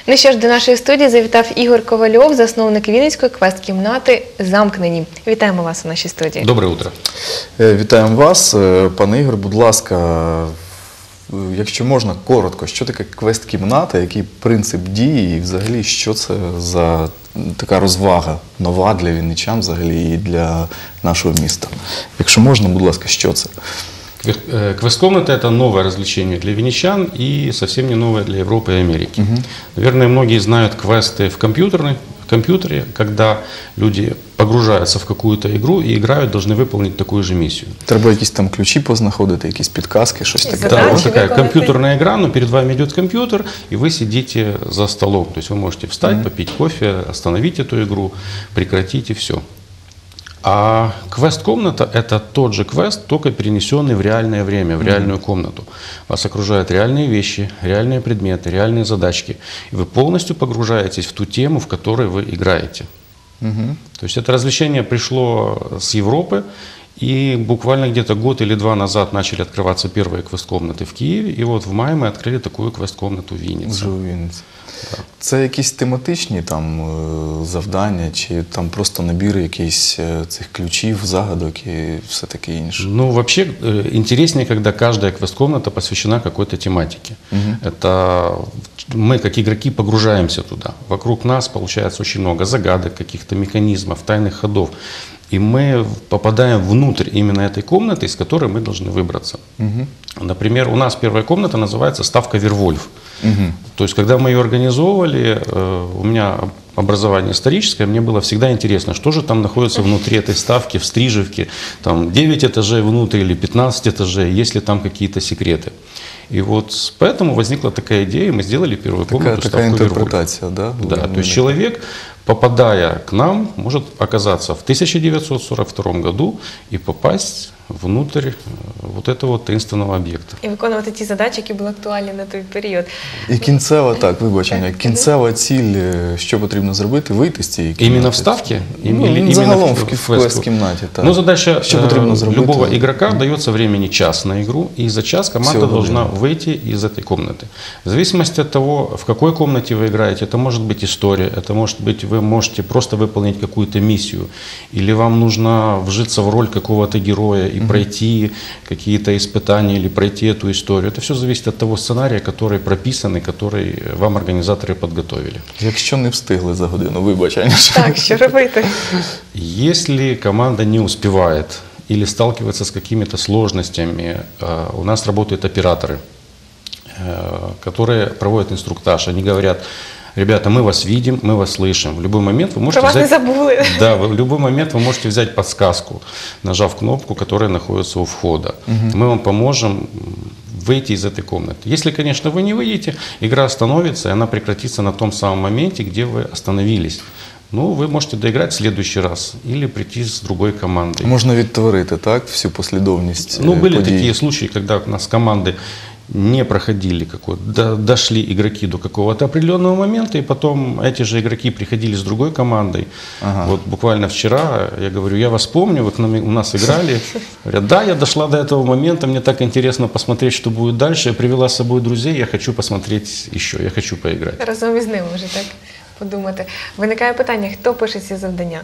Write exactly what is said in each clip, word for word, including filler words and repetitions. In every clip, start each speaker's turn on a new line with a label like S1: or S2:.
S1: Ну що ж, до нашої студії завітав Ігор Ковальов, засновник Вінницької квест-кімнати «Замкнені». Вітаємо вас у нашій студії.
S2: Доброе утро.
S3: Вітаємо вас. Пане Ігор, будь ласка, якщо можна, коротко, що таке квест-кімната, який принцип дії і взагалі, що це за така розвага нова для вінничан взагалі і для нашого міста? Якщо можна, будь ласка, що це?
S2: Квест-комната – это новое развлечение для винничан и совсем не новое для Европы и Америки. Угу. Наверное, многие знают квесты в компьютерной, в компьютере, когда люди погружаются в какую-то игру и играют, должны выполнить такую же миссию.
S3: Треба якісь там ключі познаходити, якісь підказки, щось таке.
S2: Да, вот такая компьютерная игра, но перед вами идет компьютер, и вы сидите за столом. То есть вы можете встать, mm-hmm. попить кофе, остановить эту игру, прекратить и все. А квест-комната – это тот же квест, только перенесенный в реальное время, в реальную комнату. Вас окружают реальные вещи, реальные предметы, реальные задачки. И вы полностью погружаетесь в ту тему, в которой вы играете. Угу. То есть это развлечение пришло с Европы, и буквально где-то год или два назад начали открываться первые квест-комнаты в Киеве, и вот в мае мы открыли такую квест-комнату в Вінниці.
S3: Вже у Вінниці. Да. Це якісь тематичні там завдання, чи там просто набір якихось цих ключів, загадок і все таке інше?
S2: Ну, вообще, интереснее, когда каждая квест-комната посвящена какой-то тематике. Угу. Это мы, как игроки, погружаемся туда. Вокруг нас получается очень много загадок, каких-то механизмов, тайных ходов. И мы попадаем внутрь именно этой комнаты, из которой мы должны выбраться. Угу. Например, у нас первая комната называется «Ставка Вервольф». Угу. То есть, когда мы ее организовывали, у меня образование историческое, мне было всегда интересно, что же там находится внутри этой ставки, в Стрижевке, там девять этажей внутрь или пятнадцать этажей, есть ли там какие-то секреты. И вот поэтому возникла такая идея, мы сделали первую комнату
S3: такая, такая интерпретация, да?
S2: Да, то есть человек, попадая к нам, может оказаться в тысяча девятьсот сорок втором году и попасть внутрь вот этого вот таинственного об'єкта.
S1: І виконувати ті задачі, які були актуальні на той період.
S3: І кінцева, так, вибачення, кінцева ціль, що потрібно зробити, вийти з цієї кімнати?
S2: Іменно в ставці?
S3: Ну, загалом в квест-кімнаті, так.
S2: Ну, задача любого игрока дается времени час на игру, и за час команда должна выйти из этой комнаты. В зависимости от того, в какой комнате вы играете, это может быть история, это может быть, вы можете просто выполнить какую-то миссию, или вам нужно вжиться в роль какого-то героя и пройти какие-то испытания или пройти эту историю. Это все зависит от того сценария, который прописан и который вам организаторы подготовили.
S3: Якщо не встигли за годину, вибачення.
S1: Так, що робити?
S2: Если команда не успевает или сталкивается с какими-то сложностями, у нас работают операторы, которые проводят инструктаж. Они говорят: ребята, мы вас видим, мы вас слышим. В любой момент вы можете
S1: Про вас
S2: взять...
S1: не забыли.
S2: Да, в любой момент вы можете взять подсказку, нажав кнопку, которая находится у входа. Угу. Мы вам поможем выйти из этой комнаты. Если, конечно, вы не выйдете, игра остановится, и она прекратится на том самом моменте, где вы остановились. Ну, вы можете доиграть в следующий раз или прийти с другой командой.
S3: Можно відтворити, так, всю послідовність
S2: Ну, были
S3: подій.
S2: такие случаи, когда у нас команды не проходили, какой-то, дошли игроки до какого-то определенного момента, и потом эти же игроки приходили с другой командой. Ага. Вот буквально вчера, я говорю, я вас помню, вы к нам, у нас играли. Говорят, да, я дошла до этого момента, мне так интересно посмотреть, что будет дальше. Я привела с собой друзей, я хочу посмотреть еще, я хочу поиграть.
S1: Разом із ними вже так подумати. Виникає питання, хто пише ці завдання?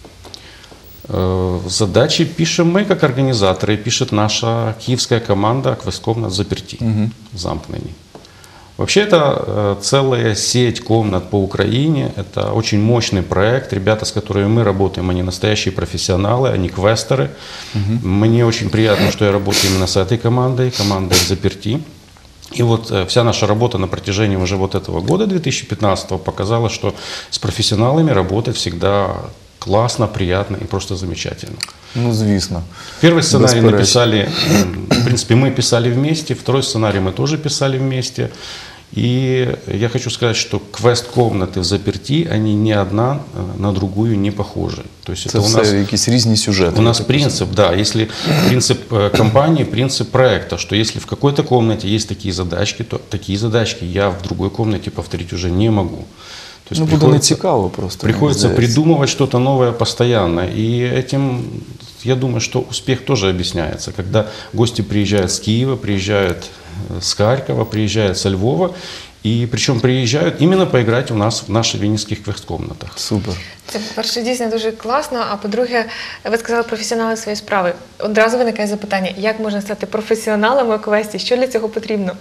S2: Задачи пишем мы, как организаторы, пишет наша киевская команда квест-комнат «Заперти», угу. «Замкнені». Вообще это целая сеть комнат по Украине, это очень мощный проект. Ребята, с которыми мы работаем, они настоящие профессионалы, они квестеры. Угу. Мне очень приятно, что я работаю именно с этой командой, командой «Заперти». И вот вся наша работа на протяжении уже вот этого года, две тысячи пятнадцатого, показала, что с профессионалами работать всегда классно, приятно и просто замечательно.
S3: Ну, звісно.
S2: Первый сценарий написали, в принципе, мы писали вместе, второй сценарий мы тоже писали вместе. И я хочу сказать, что квест-комнаты в «Заперти», они ни одна на другую не похожи. То есть
S3: это, это у нас
S2: якісь
S3: різні сюжети.
S2: У нас принцип, да, если принцип компании, принцип проекта, что если в какой-то комнате есть такие задачки, то такие задачки я в другой комнате повторить уже не могу.
S3: То есть ну, буде не цікаво просто.
S2: Приходится придумывать что-то новое постоянно. И этим, я думаю, что успех тоже объясняется. Когда гости приезжают с Киева, приезжают с Харькова, приезжают со Львова, И причем приезжают именно поиграть у нас в наших винницких квест-комнатах.
S3: Супер.
S1: Це, по-перше, дійсно дуже класно, а по-друге, ви сказали професіонали своєї справи. Одразу виникає запитання, як можна стати професіоналом у квесті, що для цього потрібно?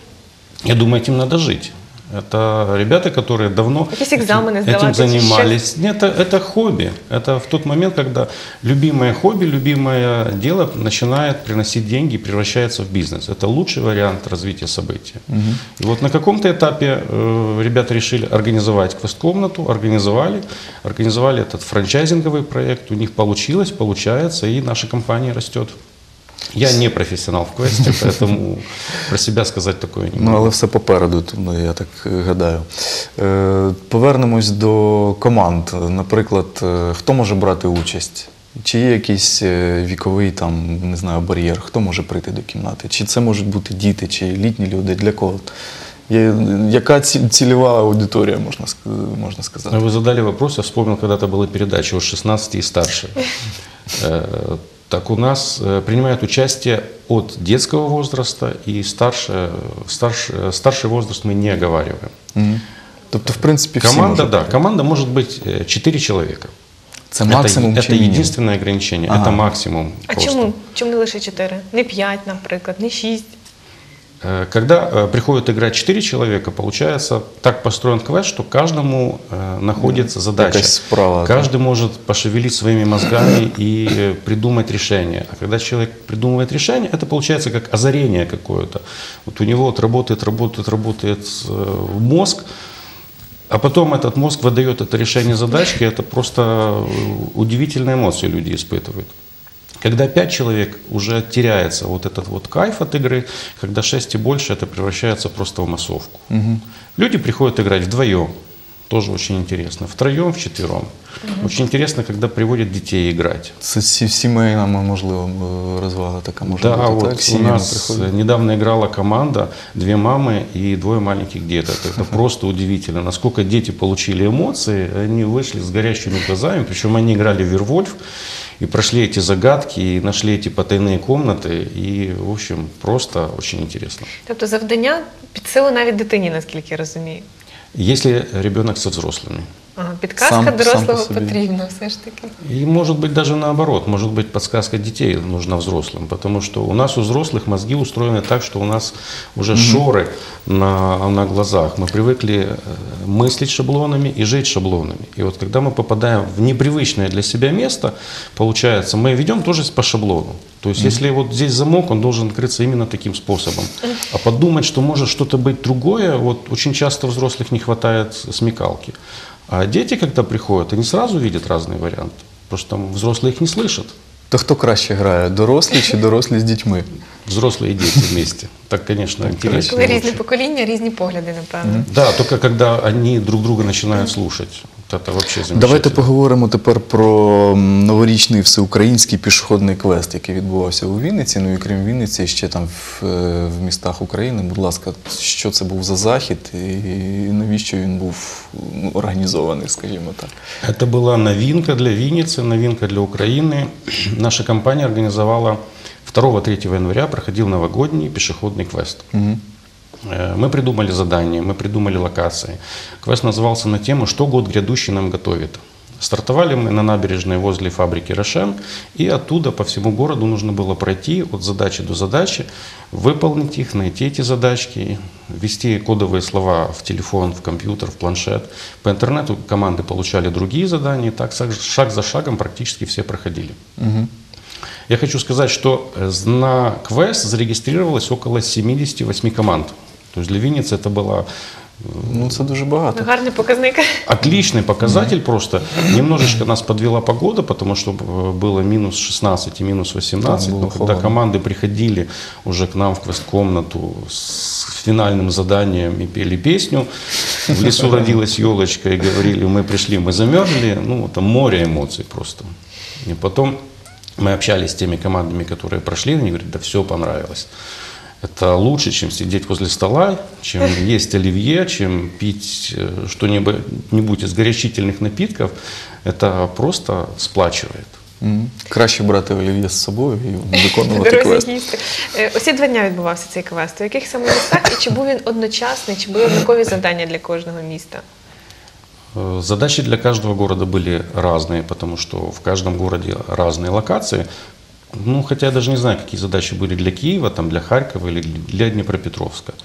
S2: Я думаю, этим надо жить. Это ребята, которые давно
S1: Какие экзамены
S2: этим
S1: сдавать,
S2: занимались. Нет, это, это хобби. Это в тот момент, когда любимое хобби, любимое дело начинает приносить деньги и превращается в бизнес. Это лучший вариант развития события. Угу. И вот на каком-то этапе э, ребята решили организовать квест-комнату, организовали, организовали этот франчайзинговый проект. У них получилось, получается, и наша компания растет. Я не професіонал в квесті, тому про себе сказати такое не можу.
S3: Ну, але все попереду, тому я так гадаю. Е, Повернемось до команд. Наприклад, е, хто може брати участь? Чи є якийсь е, віковий там, не знаю, бар'єр? Хто може прийти до кімнати? Чи це можуть бути діти, чи літні люди? Для кого? Є, яка ці- цільова аудиторія, можна, ск- можна сказати?
S2: Вы задали вопрос, я вспомнил, когда-то была передача от шестнадцати и старше. Э, Так у нас э, принимают участие от детского возраста и старше, старше, старший возраст мы не оговариваем.
S3: Мгм. Тобто, в принципі, всі
S2: Команда,
S3: можуть
S2: да,
S3: прийти.
S2: команда может быть э, четыре человека.
S3: Це максимум
S2: это,
S3: чи
S2: это
S3: мінімум?
S2: единственное ограничение,
S3: Ага.
S2: это максимум.
S1: А
S2: просто.
S1: чому? Чому не лише чотири? Не п'ять, наприклад, не шість?
S2: Э, Когда э, приходят играть четыре человека, получается, так построен квест, что каждому э, находится задача.
S3: Якась справа, так.
S2: Каждый может пошевелить своими мозгами и э, придумать решение. А когда человек придумывает решение, это получается как озарение какое-то. Вот у него вот работает, работает, работает э, мозг, а потом этот мозг выдает это решение задачки. Это просто э, удивительные эмоции люди испытывают. Когда пять человек, уже теряется вот этот вот кайф от игры, когда шесть и больше, это превращается просто в массовку.
S3: Мгм.
S2: Люди приходят играть вдвоем, тоже очень интересно, втроем, вчетвером. Очень интересно, когда приводят детей играть.
S3: Це сі- сімейна, можливо, е, розвага така може
S2: Да,
S3: бути,
S2: вот
S3: так?
S2: у
S3: Сім'ями
S2: нас
S3: приходять.
S2: недавно играла команда, две мамы и двое маленьких деток. Это просто удивительно, насколько дети получили эмоции, они вышли с горящими глазами, причем они играли в Вервольф, и прошли эти загадки, и нашли эти потайные комнаты, и, в общем, просто очень интересно.
S1: Тобто завдання під силу навіть дитині, наскільки я розумію.
S2: Если ребенок со взрослыми.
S1: Ага, підказка
S3: Сам- сам по
S1: дорослого
S3: собі.
S1: потрібна все ж таки.
S2: И может быть даже наоборот, может быть подсказка детей нужна взрослым, потому что у нас у взрослых мозги устроены так, что у нас уже шоры на, на глазах. Мы привыкли э, мыслить шаблонами и жить шаблонами. И вот когда мы попадаем в непривычное для себя место, получается, мы ведем тоже по шаблону. То есть если вот здесь замок, он должен открыться именно таким способом. А подумать, что может что-то быть другое, вот очень часто у взрослых не хватает смекалки. А дети, когда приходят, они сразу видят разные варианты. Потому что там взрослые их не слышат.
S3: То хто краще грає, дорослі чи дорослі з дітьми?
S2: Взрослые и дети вместе. Так, конечно, интересно.
S1: Коли різні
S2: лучше.
S1: покоління, різні погляди, напевно.
S2: Да, только когда они друг друга начинают слушать. Вот это вообще замечательно.
S3: Давайте поговоримо тепер про м, новорічний всеукраїнський пішохідний квест, який відбувався у Вінниці. Ну і крім Вінниці, ще там в, е, в містах України. Будь ласка, що це був за захід і навіщо він був ну, організований, скажімо так?
S2: Это была новинка для Винницы, новинка для Украины. Наша компания организовала второго-третьего января, проходил новогодний пешеходный квест.
S3: Мгм.
S2: Э, Мы придумали задания, мы придумали локации. Квест назывался на тему «Что год грядущий нам готовит?». Stартовали мы на набережной возле фабрики «Рошен», и оттуда по всему городу нужно было пройти от задачи до задачи, выполнить их, найти эти задачки, ввести кодовые слова в телефон, в компьютер, в планшет. По интернету команды получали другие задания, и так шаг за шагом практически все проходили.
S3: Мгм.
S2: Я хочу сказать, что э, на квест зарегистрировалось около семидесяти восьми команд. То есть для Винницы это была
S3: Ну це дуже багато.
S1: Гарний показник.
S2: отличный показатель просто. Немножечко нас подвела погода, потому что э, было минус шестнадцать и минус восемнадцать.
S3: Да, было
S2: Но когда
S3: холодно.
S2: команды приходили уже к нам в квест-комнату с финальным заданием и пели песню, в лесу родилась елочка, и говорили, мы пришли, мы замерзли. Ну, это море эмоций просто. И потом мы общались с теми командами, которые прошли, они говорят, да все понравилось. Это лучше, чем сидеть возле стола, чем есть оливье, чем пить э, что-нибудь из горячительных напитков. Это просто сплачивает.
S3: Мгм. Краще брати олів'є з собою і виконувати
S1: Дорозі
S3: квест.
S1: їсти. Е, Усі два дня відбувався цей квест. У яких саме містах і чи був він одночасний, чи були однакові завдання для кожного міста?
S2: Э, Задачи для каждого города были разные, потому что в каждом городе разные локации. Ну, хотя я даже не знаю, какие задачи были для Киева, там, для Харькова или для Днепропетровска.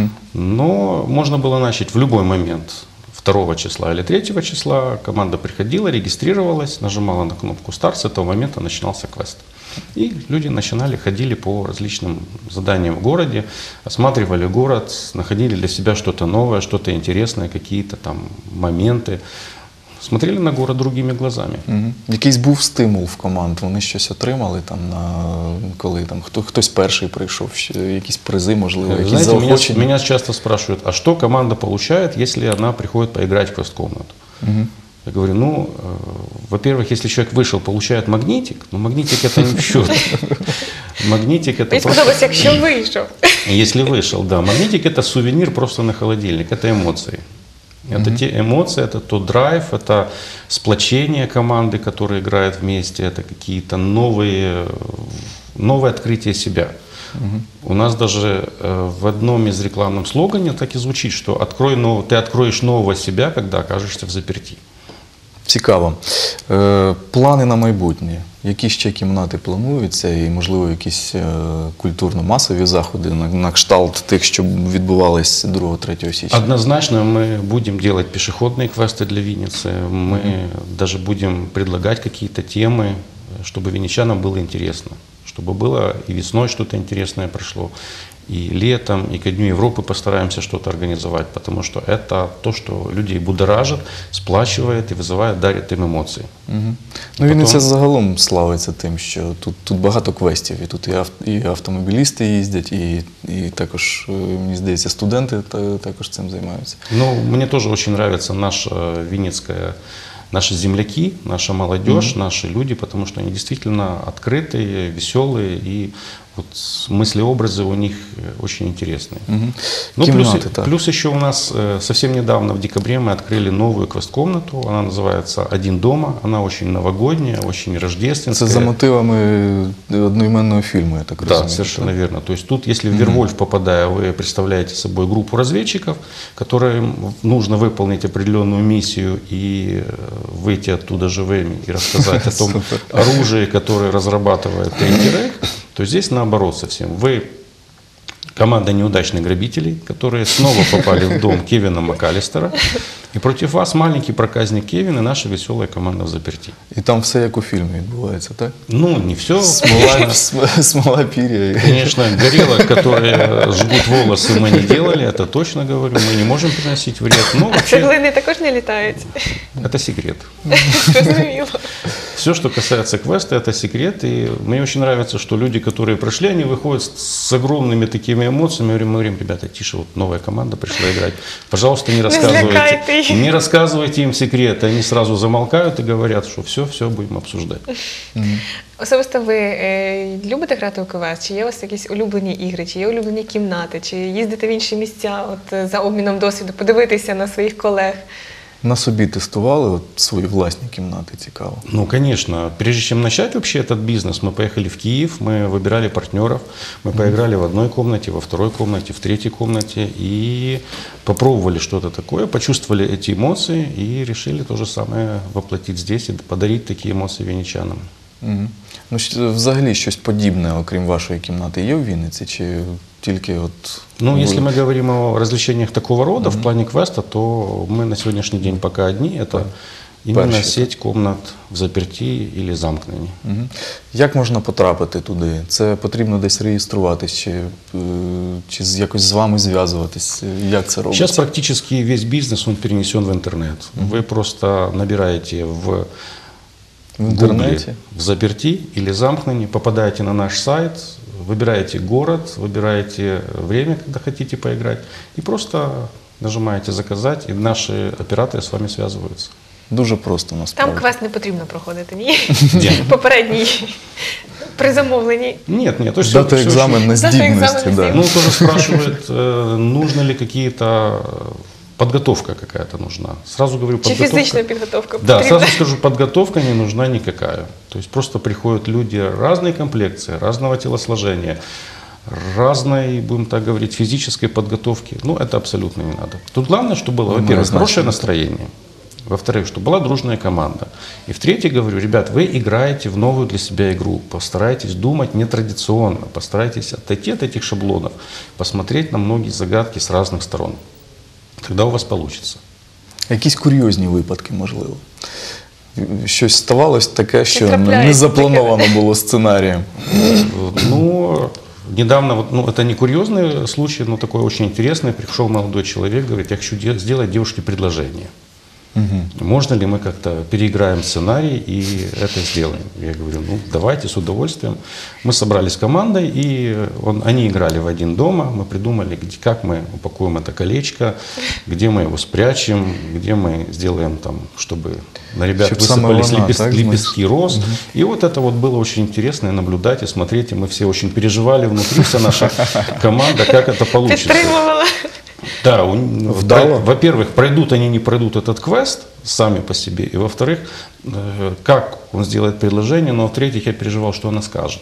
S2: Но можно было начать в любой момент. второго числа или третьего числа команда приходила, регистрировалась, нажимала на кнопку «Старт», с этого момента начинался квест. И люди начинали, ходили по различным заданиям в городе, осматривали город, находили для себя что-то новое, что-то интересное, какие-то там моменты. Смотрели на город другими глазами.
S3: Мгм. Якийсь був стимул в команд, вони щось отримали там, на, коли там, хто, хтось перший прийшов, ще якісь призи, можливо,
S2: Вы
S3: якісь
S2: знаете, меня,
S3: заохочення.
S2: меня часто спрашивают, а что команда получает, если она приходит поиграть в квест-комнату? Я говорю, ну, э, во-первых, если человек вышел, получает магнитик, но магнитик это не в счет. Магнитик это
S1: Мені
S2: просто...
S1: сподобалося, якщо вийшов.
S2: Если вышел, да. Магнитик это сувенир просто на холодильник, это эмоции. Это те эмоции, это тот драйв, это сплочение команды, которая играет вместе, это какие-то новые, новые открытия себя. У нас даже э, в одном из рекламных слоганов так и звучит, что открой нов... ты откроешь нового себя, когда окажешься в заперти.
S3: Цікаво. Е, плани на майбутнє. Які ще кімнати плануються і, можливо, якісь е, культурно-масові заходи на, на кшталт тих, що відбувались другого-третього січня?
S2: Однозначно мы будем делать пешеходные квесты для Винницы, мы даже будем предлагать какие-то темы, чтобы винничанам было интересно, чтобы было и весной что-то интересное прошло, и летом, и ко Дню Европы постараемся что-то организовать, потому что это то, что людей будоражит, сплачивает и вызывает, дарит им эмоции.
S3: Мгм. Ну, Вінниця загалом славиться тим, що тут, тут багато квестів, і тут і, ав, і автомобілісти їздять, і, і також, е, мені здається, студенти та, також цим займаються.
S2: Ну, мне тоже очень нравится наша винницкая, наши земляки, наша молодежь, наши люди, потому что они действительно открытые, веселые, и вот мысли-образы у них очень интересные.
S3: Мгм.
S2: Ну, плюс,
S3: Кімнати, так.
S2: плюс еще у нас э, совсем недавно, в декабре, мы открыли новую квест-комнату, она называется «Один дома», она очень новогодняя, очень
S3: Це
S2: рождественская.
S3: за мотивами одноіменного фільму, я так
S2: Да,
S3: розумію.
S2: совершенно верно. То есть тут, если в Вервольф попадая, вы представляете собой группу разведчиков, которым нужно выполнить определенную миссию и э, выйти оттуда живыми и рассказать о том
S3: Супер.
S2: оружии, которое разрабатывает Третий Рейх, то здесь наоборот совсем. Вы команда неудачных грабителей, которые снова попали в дом Кевина МакАлістера, и против вас маленький проказник Кевин и наша веселая команда в заперти.
S3: І там все як у фільмі відбувається, так?
S2: Ну, не все.
S3: Смола, см- смола пір'я.
S2: Конечно, горелок, которые жгут волосы, мы не делали, это точно говорю, мы не можем приносить вред. Но
S1: А
S2: вообще,
S1: цеглини також не літають.
S2: это секрет.
S1: Зрозуміло.
S2: Все, что касается квеста, это секрет. И мне очень нравится, что люди, которые пришли, они выходят с- с огромными такими эмоциями. Мы говорим, мы говорим, ребята, тише, вот новая команда пришла играть. Пожалуйста, не рассказывайте,
S1: злякайте их.
S2: не рассказывайте им секреты. Они сразу замолкают и говорят, что все, все будем обсуждать.
S1: Особисто ви е, любите грати у КВС? Чи є у вас якісь улюблені ігри, чи є улюблені кімнати, чи їздите в інші місця от, е, за обміном досвіду, подивитися на своїх колег?
S3: На собі тестували от свої власні кімнати, цікаво.
S2: Ну, конечно. Прежде чем начать вообще этот бизнес, мы поехали в Киев, мы выбирали партнеров, мы поиграли в одной комнате, во второй комнате, в третьей комнате и попробовали что-то такое, почувствовали эти эмоции и решили то же самое воплотить здесь и подарить такие эмоции винничанам.
S3: Мгм. Ну, щ- взагалі щось подібне, окрім вашої кімнати, є в Вінниці? Чи тільки от...
S2: Ну,
S3: ви-
S2: если мы говорим о развлечениях такого рода в плане квеста, то мы на сегодняшний день пока одни. Это именно
S3: Перші,
S2: сеть комнат в заперти или замкнені.
S3: Мгм. Як можна потрапити туди? Це потрібно десь реєструватись, чи, е, чи з- якось з вами зв'язуватись? Як це робиться?
S2: Сейчас практически весь бизнес он перенесен в интернет. Вы просто набираете в
S3: В интернете?
S2: Гугле в заперти или замкнені, попадаете на наш сайт, выбираете город, выбираете время, когда хотите поиграть, и просто нажимаете «Заказать», и наши операторы с вами связываются.
S3: Дуже просто,
S1: Там
S3: насправді.
S1: квест не потрібно проходити, ні?
S2: Де?
S1: Попередній. При замовленні.
S2: Нет, нет, то есть
S3: Дати
S2: всё- всё
S3: екзамен на
S1: Дати
S3: здібності.
S1: екзамен на
S3: Да.
S2: Ну, тоже спрашивают, э, нужно ли какие-то подготовка какая-то нужна. Сразу говорю,
S1: Чи
S2: подготовка.
S1: фізична підготовка
S2: Да,
S1: потрібна?
S2: сразу скажу, подготовка не нужна никакая. То есть просто приходят люди разной комплекции, разного телосложения, разной, будем так говорить, физической подготовки. Ну, это абсолютно не надо. Тут главное, чтобы было,
S3: Ну,
S2: во-первых,
S3: однозначно.
S2: хорошее настроение. Во-вторых, чтобы была дружная команда. И в-третьих, говорю, ребят, вы играете в новую для себя игру. Постарайтесь думать нетрадиционно. Постарайтесь отойти от этих шаблонов, посмотреть на многие загадки с разных сторон. Тогда у вас получится.
S3: Якісь курйозні випадки, можливо. Щось ставалось таке, що
S1: трапляється
S3: не заплановано було сценарієм.
S2: Ну, недавно, вот, ну, это не курьезный случай, но такой очень интересный. Пришел молодой человек, говорит, я хочу де- сделать девушке предложение. Можно ли мы как-то переиграем сценарий и это сделаем? Я говорю, ну давайте, с удовольствием. Мы собрались командой, и он, они играли в один дома. Мы придумали, где, как мы упакуем это колечко, где мы его спрячем, где мы сделаем там, чтобы на ребят
S3: Чтоб самая
S2: высыпались
S3: волна,
S2: лепес-
S3: так,
S2: лепестки роз. И вот это вот было очень интересно и наблюдать, и смотреть. И мы все очень переживали внутри, вся наша команда, как это получится.
S1: Підтримувала.
S2: Да, у-
S3: Вдало?
S2: про- во-первых, пройдут они, не пройдут этот квест сами по себе, и во-вторых, э, как он сделает предложение, но в-третьих, я переживал, что она скажет.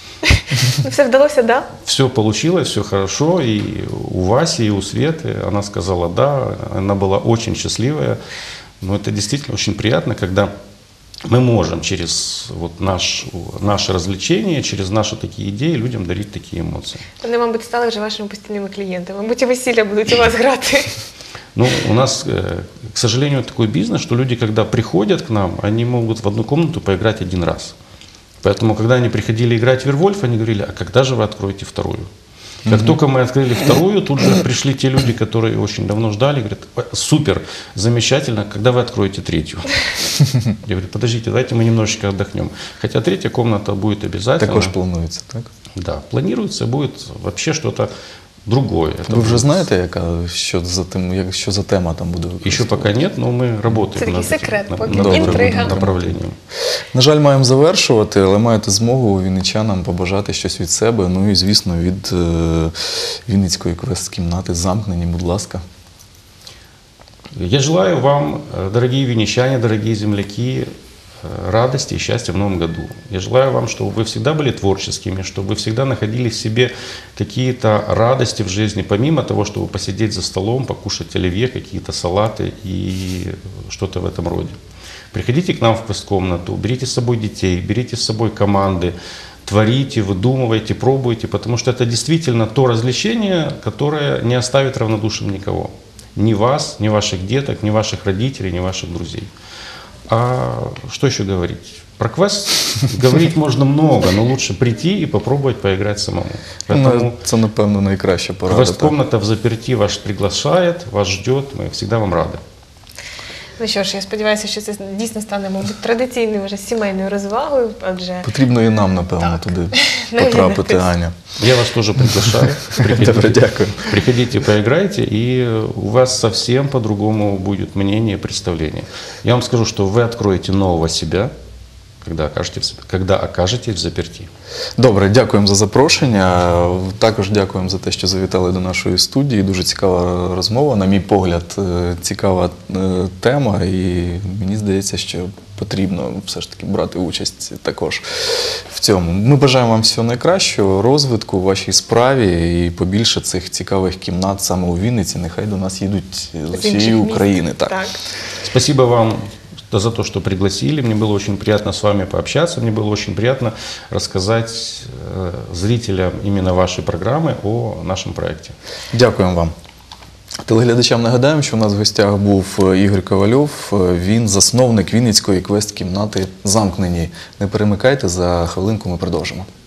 S1: Ну, все вдалося, да?
S2: Все получилось, все хорошо, и у Васи, и у Светы она сказала «да», она была очень счастливая, но это действительно очень приятно, когда мы можем через вот наш, наше развлечение, через наши такие идеи людям дарить такие эмоции.
S1: Вони, мабуть, стали вже вашими постійними клієнтами. Мабуть, і весілля будуть у вас грати.
S2: Ну, у нас, э, к сожалению, такой бизнес, что люди, когда приходят к нам, они могут в одну комнату поиграть один раз. Поэтому, когда они приходили играть в Вервольф, они говорили, а когда же вы откроете вторую? Как только мы открыли вторую, тут же пришли те люди, которые очень давно ждали, говорят, «Ой, супер, замечательно, когда вы откроете третью? Я говорю, подождите, давайте мы немножечко отдохнем. Хотя третья комната будет обязательно.
S3: Також планується, так?
S2: Да, планируется, будет вообще что-то другое. Это
S3: Ви вже
S2: будет-
S3: знаєте, яка, що, за тим, як, що за тема там буде?
S2: Еще пока нет, но мы работаем
S1: Це такий
S2: над этим
S1: секрет
S2: на-
S1: поки,
S2: над этим
S1: інтрига.
S2: направлением.
S3: На жаль, маємо завершувати, але маєте змогу вінничанам побажати щось від себе, ну і, звісно, від е, Вінницької квест-кімнати замкнені, будь ласка.
S2: Я желаю вам, э, дорогие винничане, дорогие земляки, э, радости и счастья в новом году. Я желаю вам, чтобы вы всегда были творческими, чтобы вы всегда находили в себе какие-то радости в жизни, помимо того, чтобы посидеть за столом, покушать оливье, какие-то салаты и что-то в этом роде. Приходите к нам в квест-комнату, берите с собой детей, берите с собой команды, творите, выдумывайте, пробуйте, потому что это действительно то развлечение, которое не оставит равнодушным никого. Ни вас, ни ваших деток, ни ваших родителей, ни ваших друзей. А что еще говорить? Про квест говорить можно много, но лучше прийти и попробовать поиграть самому. Поэтому
S3: Ну, це, напевно, найкраща порада. так.
S2: квест-комната в заперти вас приглашает, вас ждет, мы всегда вам рады.
S1: Ну що ж, я сподіваюся, що це дійсно стане, мабуть, традиційною вже сімейною розвагою, адже
S3: Потрібно і нам, напевно,
S1: Так.
S3: туди
S1: Навідатись.
S3: потрапити, Аня.
S2: Я вас тоже приглашаю.
S3: Добре,
S2: Приходите,
S3: дякую.
S2: приходите, поиграйте, и у вас совсем по-другому будет мнение, представление. Я вам скажу, что вы откроете нового себя, когда окажетесь, когда окажетесь в заперти.
S3: Добре, дякуємо за запрошення. Також дякуємо за те, що завітали до нашої студії. Дуже цікава розмова. На мій погляд, е, цікава е, тема, і мені здається, що потрібно все ж таки брати участь також в цьому. Ми бажаємо вам всього найкращого, розвитку у вашій справі і побільше цих цікавих кімнат саме у Вінниці. Нехай до нас їдуть з
S1: з інших
S3: усієї
S1: міст.
S3: України. Так.
S1: Так.
S2: Спасибо вам за то, что пригласили. Мне было очень приятно с вами пообщаться. Мне было очень приятно рассказать э, зрителям именно вашей программы о нашем проекте.
S3: Дякуємо вам. Телеглядачам нагадаємо, що у нас в гостях був Ігор Ковальов. Він засновник Вінницької квест-кімнати «Замкнені». Не перемикайте, за хвилинку ми продовжимо.